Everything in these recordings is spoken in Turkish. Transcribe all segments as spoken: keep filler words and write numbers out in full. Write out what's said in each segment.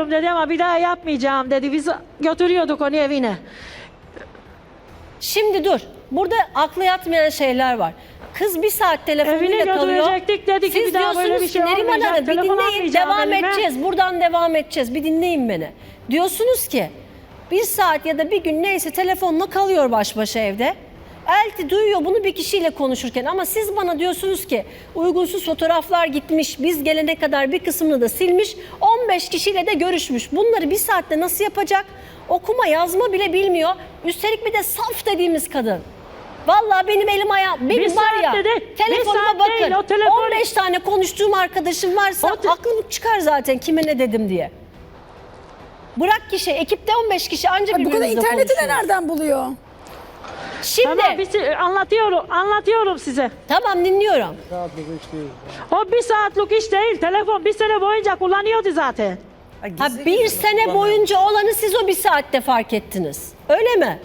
biliyorum dedi ama bir daha yapmayacağım dedi. Biz götürüyorduk onu evine. Şimdi dur. Burada aklı yatmayan şeyler var. Kız bir saat telefonuyla Evine kalıyor. götürecektik, dedi ki Siz bir daha böyle diyorsunuz bir şey ki Neriman olmayacak, Hanım bir telefon dinleyin, almayacağım devam elime. edeceğiz. Buradan devam edeceğiz. Bir dinleyin beni. Diyorsunuz ki bir saat ya da bir gün neyse telefonla kalıyor baş başa evde. Elti duyuyor bunu bir kişiyle konuşurken ama siz bana diyorsunuz ki uygunsuz fotoğraflar gitmiş, biz gelene kadar bir kısmını da silmiş, on beş kişiyle de görüşmüş. Bunları bir saatte nasıl yapacak? Okuma yazma bile bilmiyor. Üstelik bir de saf dediğimiz kadın. Vallahi benim elim ayağım, benim Bir var ya saatte de- telefonuma bir saat bakın. değil, o telefon- on beş tane konuştuğum arkadaşım varsa O te- aklım çıkar zaten kime ne dedim diye. Bırak kişi, ekipte on beş kişi ancak Bu kadar birbirimizle interneti de konuşuyoruz. nereden buluyor? Şimdi Tamam biz anlatıyorum, anlatıyorum size. tamam dinliyorum. O bir saatlik iş değil. Telefon bir sene boyunca kullanıyordu zaten. Ha, bir sene boyunca olanı siz o bir saatte fark ettiniz. Öyle mi?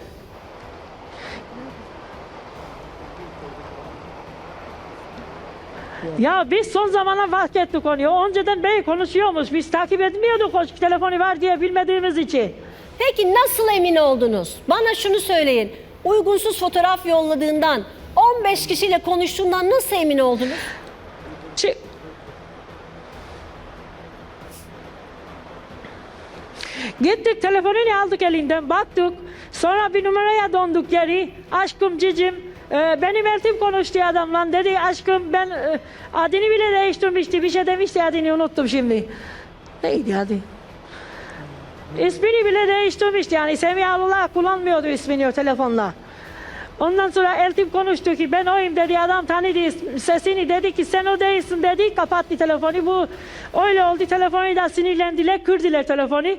Ya biz son zamana fark ettik onu. Önceden bey konuşuyormuş. Biz takip etmiyorduk o telefonu var diye bilmediğimiz için. Peki nasıl emin oldunuz? Bana şunu söyleyin. Uygunsuz fotoğraf yolladığından, on beş kişiyle konuştuğundan nasıl emin oldunuz? Çi- Gittik telefonunu aldık elinden baktık. Sonra bir numaraya döndük geri. Aşkım cicim e, benim eltim konuştu adamla dedi aşkım ben e, adını bile değiştirmişti. Bir şey demişti adını unuttum şimdi. Neydi adı? İsmini bile değiştirmişti yani Semiha'lılar kullanmıyordu ismini o telefonla. Ondan sonra eltim konuştu ki ben oyum dedi adam tanıdı is- sesini dedi ki sen o değilsin dedi kapattı telefonu bu öyle oldu telefonu da sinirlendiler kırdılar telefonu.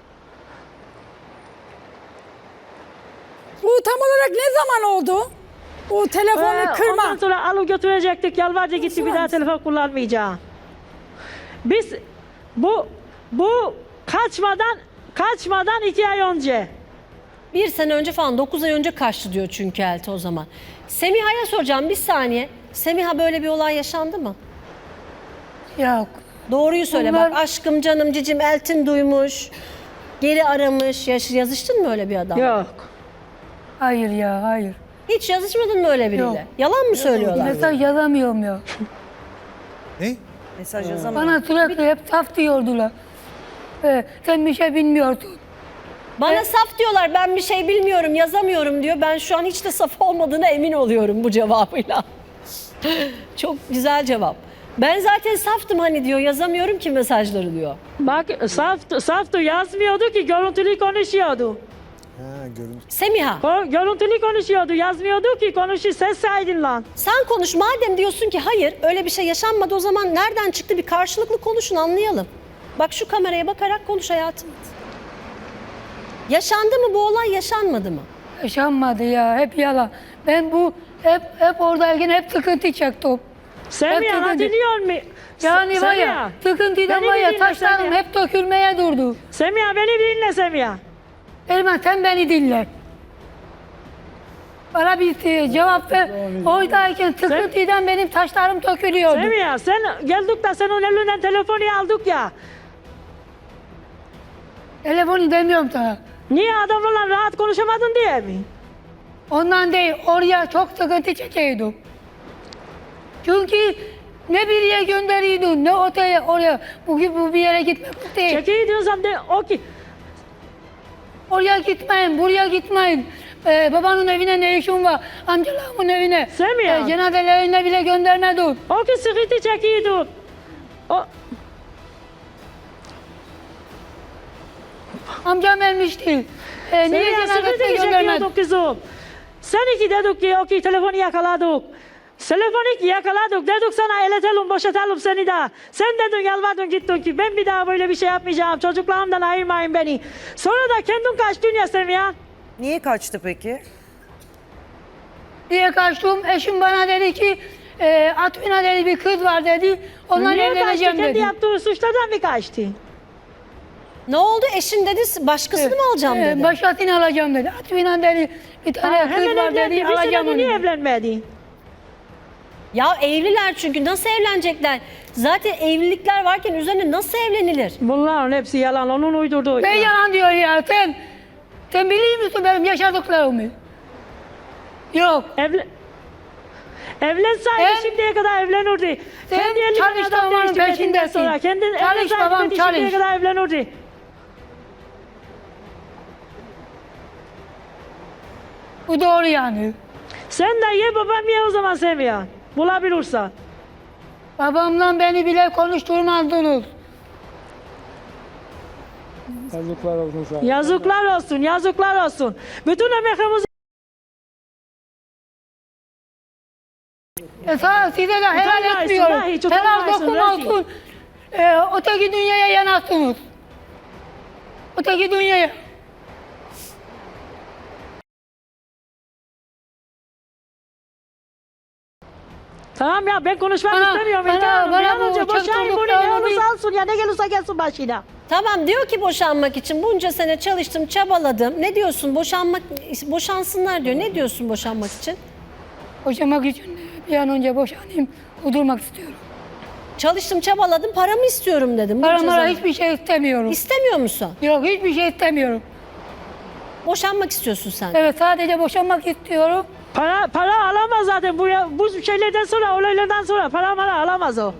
Bu tam olarak ne zaman oldu? Bu telefonu Ee, kırma. Ondan sonra alıp götürecektik yalvardı gitti bir daha telefon kullanmayacağım. Biz bu bu kaçmadan kaçmadan iki ay önce. Bir sene önce falan, dokuz ay önce kaçtı diyor çünkü Elti o zaman. Semiha'ya soracağım bir saniye. Semiha böyle bir olay yaşandı mı? Yok. Doğruyu söyle Bunlar- bak aşkım canım cicim Eltin duymuş. Geri aramış. Yaş- yazıştın mı öyle bir adam? Yok. Hayır ya hayır. Hiç yazışmadın mı öyle biriyle? Yok. Yalan mı söylüyorlar? Mesaj yazamıyorum ya. Ne? Mesaj yazamıyor. Bana sürekli hep saf diyordular. Ee, sen bir şey bilmiyorsun. Bana saf diyorlar ben bir şey bilmiyorum yazamıyorum diyor. Ben şu an hiç de saf olmadığına emin oluyorum bu cevabıyla. Çok güzel cevap. Ben zaten saftım hani diyor yazamıyorum ki mesajları diyor. Bak saftı, saftı yazmıyordu ki görüntülü konuşuyordu. Ha, görüntü. Semiha O görüntülü konuşuyordu yazmıyordu ki konuşu ses saydın lan. sen konuş madem diyorsun ki hayır öyle bir şey yaşanmadı o zaman nereden çıktı bir karşılıklı konuşun anlayalım. Bak şu kameraya bakarak konuş hayatım. Yaşandı mı bu olay yaşanmadı mı? Yaşanmadı ya hep yalan. Ben bu hep hep oradayken hep sıkıntı çektim. Semiha Hep dedi. dinliyor mu? Yani var ya Semiha, sıkıntıdan beni var bir ya dinle taşlarım Semiha. hep dökülmeye durdu. Semiha beni bir dinle Semiha. Erman sen beni dinle. Bana bir e, cevap ver. Oradayken sıkıntıdan benim taşlarım dökülüyordu. Semiha sen geldik de senin elinden telefonu aldık ya. Telefonu demiyorum sana. Niye adamlarla rahat konuşamadın diye mi? Ondan değil, oraya çok sıkıntı çekiyordum. Çünkü ne bir yere gönderiyordun, ne otele, oraya, bu, bu bir yere gitmek değil. Çekiyi diyorsam de o ki. Oraya gitmeyin, buraya gitmeyin. Ee, babanın evine ne işin var, amcalarımın evine. Sen mi ya? Ee, cenazelerine bile göndermedim. O ki sıkıntı çekiyordu. O, Amcam ölmüştü. Ee, niye Semiha sıkıntı cenazesine göndermedin? çekiyorduk kızım. Sen iki dedik ki o ki telefonu yakaladık. Telefonu ki yakaladık dedik sana eletelim boşatalım seni daha. Sen dedin yalvardın gittin ki ben bir daha böyle bir şey yapmayacağım. Çocuklarımdan ayırmayın beni. Sonra da kendin kaçtın ya Semiha. Niye kaçtı peki? Diye kaçtım, eşim bana dedi ki, e, Atmina dedi bir kız var dedi, onunla Niye kaçtı? evleneceğim Kendi dedi. yaptığı suçlardan mı kaçtı? Ne oldu eşin dedi başkasını mı alacağım Ee, dedi. Başkasını alacağım dedi. Atmina dedi bir tane Ha, kız hemen var dedi, evlendi. Bir alacağım senedir onu. niye dedi. evlenmedi? Ya evliler çünkü nasıl evlenecekler? Zaten evlilikler varken üzerine nasıl evlenilir? Bunların hepsi yalan. Onun uydurduğu. Ben yalan diyor ya. Sen, sen biliyor musun benim yaşadıklarımı? Yok. Evlen... Evlensaydı Sen- şimdiye kadar evlenirdi. Sen Kendi elinden çalış adam babanın değiştirmediğinden peşindesin. sonra. Kendi Çalış evlensaydı babam, şimdiye çalış. kadar evlenirdi. Bu doğru yani. Sen de ye babam ye o zaman Semiha. Bulabilirsen. Babamla beni bile konuşturmazdınız. Yazıklar olsun sana. Yazıklar olsun, yazıklar olsun. Bütün emeğimizi E sana, size de helal Utanmaysın, etmiyorum. ha, hiç Helal utanmaysın, dokunmasın. E, öteki dünyaya yanarsınız. Öteki dünyaya. Tamam ya ben konuşmak Bana- istemiyorum. bana- İlker Hanım. Bir bana an bu önce boşanın çocuklarını bunu ne bir- olursa alsın ya ne gelirse gelsin başına. Tamam diyor ki boşanmak için bunca sene çalıştım, çabaladım. Ne diyorsun? Boşanmak boşansınlar diyor. Ne diyorsun boşanmak için? Boşanmak için bir an önce boşanayım. Udurmak istiyorum. Çalıştım, çabaladım, paramı istiyorum dedim. bunca Para mara zaman. hiçbir şey istemiyorum. İstemiyor musun? Yok, hiçbir şey istemiyorum. Boşanmak istiyorsun sen. Evet, sadece boşanmak istiyorum. Para para alamaz zaten bu bu şeylerden sonra olaylardan sonra para mara alamaz o.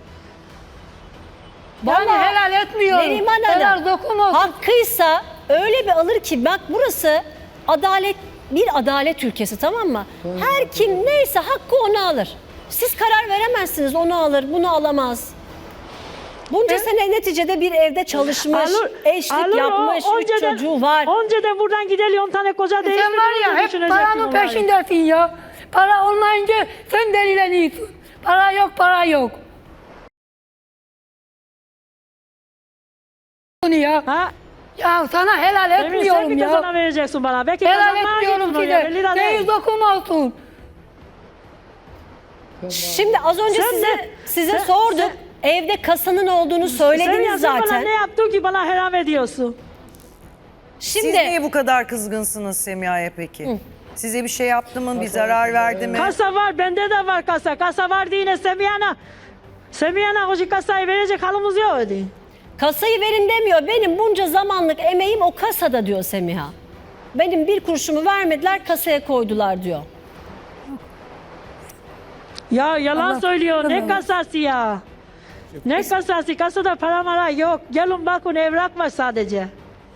Yani Vallahi helal etmiyorum. Neriman Helal Hanım, dokunmasın. hakkıysa öyle bir alır ki bak burası adalet bir adalet ülkesi, tamam mı? Her kim neyse hakkı onu alır. Siz karar veremezsiniz, onu alır, bunu alamaz. Bunca sene neticede bir evde çalışmış, eşlik alır o, yapmış, üç önceden- çocuğu var. Önceden buradan gidelim on tane koca Sen değiştirir. var ya hep paranın peşindesin ya. Para olmayınca sen delileniyorsun. Para yok, para yok. Bunu ya. Ha? Ya sana helal Emin sen etmiyorum bir de ya. sana vereceksin bana. Belki Helal kazanmaya etmiyorum gittin oraya, belli size. de değil. Neyiz dokunmasın. Şimdi az önce Sen size de- size sen- sorduk. Evde kasanın olduğunu Sen, söylediniz ya, sen bana zaten. ne yaptın ki bana helal ediyorsun? Şimdi Siz niye bu kadar kızgınsınız Semiha'ya peki? Size bir şey yaptı mı? Bir zarar verdi mi? Kasa var, bende de var kasa. Kasa var diye yine Semiha'na. Semiha'na o kasayı verecek halimiz yok öyle. kasayı verin demiyor. Benim bunca zamanlık emeğim o kasada diyor Semiha. Benim bir kuruşumu vermediler, kasaya koydular diyor. Ya yalan Allah- söylüyor. Ne Allah. kasası ya? Ne kasası? Kasada para mara yok. Gelin bakın evrak var sadece.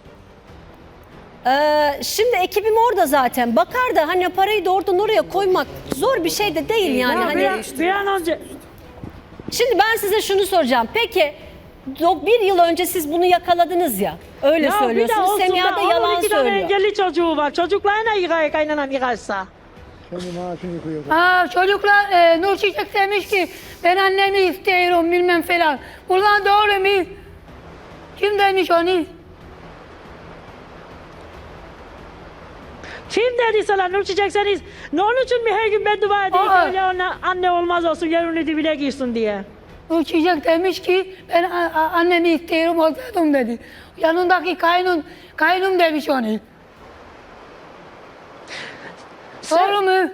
Ee, şimdi ekibim orada zaten. Bakar da hani parayı da oradan oraya koymak zor bir şey de değil yani. Ya Hani bir, an, bir an önce şimdi ben size şunu soracağım. Peki do- bir yıl önce siz bunu yakaladınız ya. Öyle ya bir de söylüyorsunuz. olsun Semiha da da onun yalan iki tane söylüyor. engelli çocuğu var. Çocuklarına yıkaya kaynanam yıkarsa. Senin maaşını yıkıyor. Ha, çocuklar e, Nur Çiçek demiş ki ben annemi istiyorum bilmem falan. Buradan doğru mu? Kim demiş onu? Kim dedi sana Nur Çiçek sen iz- ne onun için mi her gün ben dua edeyim Aa. öyle ona anne olmaz olsun yarın dibine girsin diye. Nur Çiçek demiş ki ben a- a- annemi istiyorum olsaydım dedi. Yanındaki kaynun, kaynum demiş onu. Doğru mu?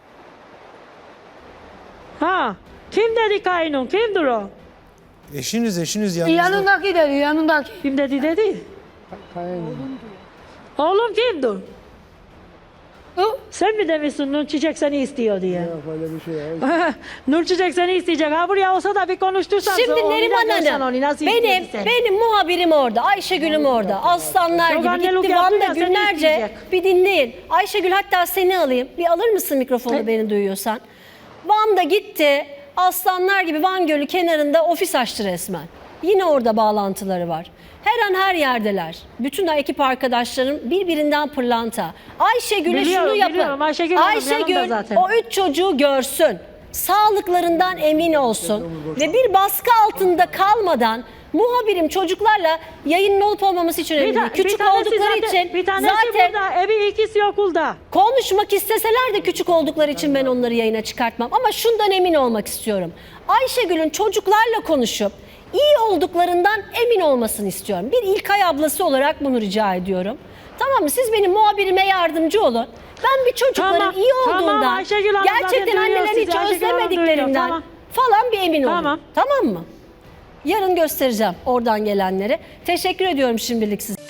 Ha? Kim dedi kaynım? Kimdir o? Eşiniz eşiniz yanınızda. Yanındaki dedi, yanındaki. Kim dedi dedi? Kayın. Oğlum kimdir? Bu, Sen mi demişsin Nur Çiçek seni istiyor diye? Yok öyle bir şey yok. Nur Çiçek seni isteyecek. Ha buraya olsa da bir konuştursan. Şimdi onu da Neriman görsen Hanım, onu nasıl benim, istediyse. benim muhabirim orada, Ayşegül'üm orada, aslanlar Yok, gibi annelik gitti yaptı Van'da ya, seni günlerce. isteyecek. Bir dinleyin. Ayşegül hatta seni alayım, bir alır mısın mikrofonu Evet. beni duyuyorsan? Van'da gitti, aslanlar gibi Van Gölü kenarında ofis açtı resmen. Yine orada bağlantıları var. Her an her yerdeler. Bütün ekip arkadaşlarım birbirinden pırlanta. Ayşegül'e Biliyorum, şunu yapın. biliyorum. Ayşegül Hanım Ayşegül yanımda zaten. o üç çocuğu görsün. Sağlıklarından emin olsun. Ve bir baskı altında kalmadan muhabirim çocuklarla yayının olup olmaması için önemli değil. ta- Küçük tanesi oldukları zaten- için bir tanesi zaten burada, evi ikisi okulda. konuşmak isteseler de küçük oldukları için ben onları yayına çıkartmam. Ama şundan emin olmak istiyorum. Ayşegül'ün çocuklarla konuşup iyi olduklarından emin olmasını istiyorum. Bir İlkay ablası olarak bunu rica ediyorum. Tamam mı? Siz benim muhabirime yardımcı olun. Ben bir çocukların Tamam, iyi tamam, olduğundan, Ayşegül Hanım zaten gerçekten duyuyor annelerini sizi, hiç Ayşegül Hanım özlemediklerinden duyuyor, tamam. falan bir emin olun. Tamam. Tamam mı? Yarın göstereceğim oradan gelenleri. Teşekkür ediyorum şimdilik size.